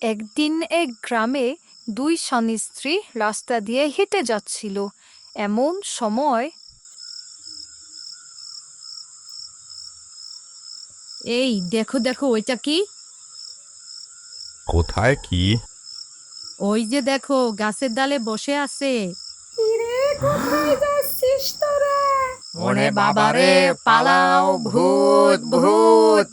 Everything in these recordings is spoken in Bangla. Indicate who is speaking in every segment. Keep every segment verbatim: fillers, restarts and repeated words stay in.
Speaker 1: একদিন এক গ্রামে দুই স্বামী স্ত্রী রাস্তা দিয়ে হেঁটে যাচ্ছিল। এমন সময়
Speaker 2: এই দেখো দেখো ওইটা কি?
Speaker 3: কোথায় কি?
Speaker 2: ওই যে দেখো গাছের ডালে বসে আছে।
Speaker 4: কিরে কোথায় যাচ্ছিস তোরা?
Speaker 2: ওরে বাবারে, পালাও, ভূত ভূত।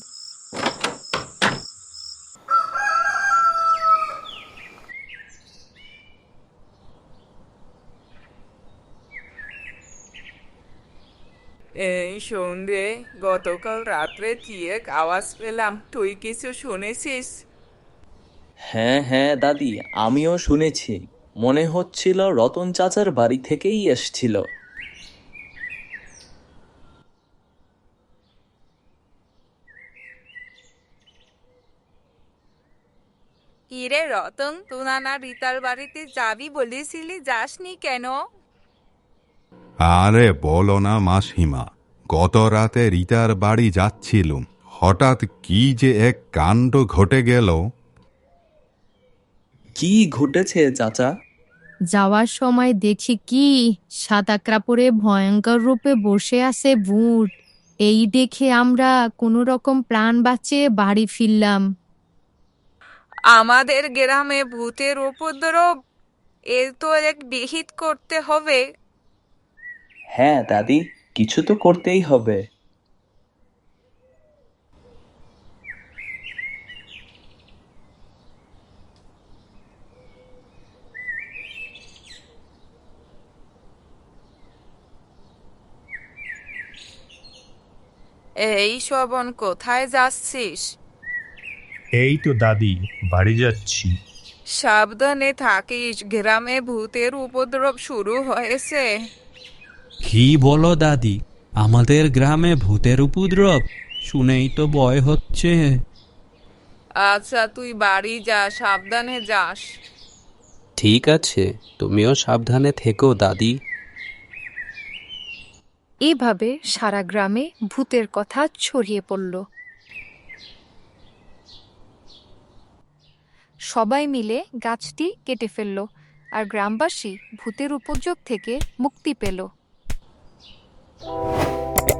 Speaker 5: এই সন্ধে গতকাল রাত্রে কি এক আওয়াজ পেলাম, তুই কিছু শুনেছিস?
Speaker 6: হ্যাঁ হ্যাঁ দাদি, আমিও শুনেছি। মনে হচ্ছিল রতন চাচার বাড়ি থেকেই এসছিল।
Speaker 5: কিরে রতন, তুই না রিতার বাড়িতে যাবি বলেছিলি, যাসনি কেন?
Speaker 3: আরে বলো না মাসিমা, গত রাতে রিতার বাড়ি যাচ্ছিলুম, হঠাৎ কি যে এক কাণ্ড ঘটে গেল।
Speaker 6: কি ঘটেছে চাচা?
Speaker 2: যাওয়ার সময় দেখি কি সাদা কাপড়ে ভয়ঙ্কর রূপে বসে আছে ভূত। এই দেখে আমরা কোনো রকম প্রাণ বাঁচিয়ে বাড়ি ফিরলাম।
Speaker 5: আমাদের গ্রামে ভূতের উপদ্রব, এর তো এক বিহিত করতে হবে।
Speaker 6: হ্যাঁ দাদি, কিছু তো করতেই হবে।
Speaker 5: এই শোভন, কোথায় যাচ্ছিস?
Speaker 7: এই তো দাদি, বাড়ি যাচ্ছি।
Speaker 5: সাবধানে থাকিস, গ্রামে ভূতের উপদ্রব শুরু হয়েছে।
Speaker 8: কি বলো দাদি, আমাদের গ্রামে ভূতের উপদ্রব? শুনেই তো ভয় হচ্ছে।
Speaker 5: আচ্ছা, তুই বাড়ি যা, সাবধানে যাস।
Speaker 8: ঠিক আছে, তুমিও সাবধানে থেকো দাদি।
Speaker 1: এভাবে সারা গ্রামে ভূতের কথা ছড়িয়ে পড়ল। সবাই মিলে গাছটি কেটে ফেলল, আর গ্রামবাসী ভূতের উপযোগ থেকে মুক্তি পেল।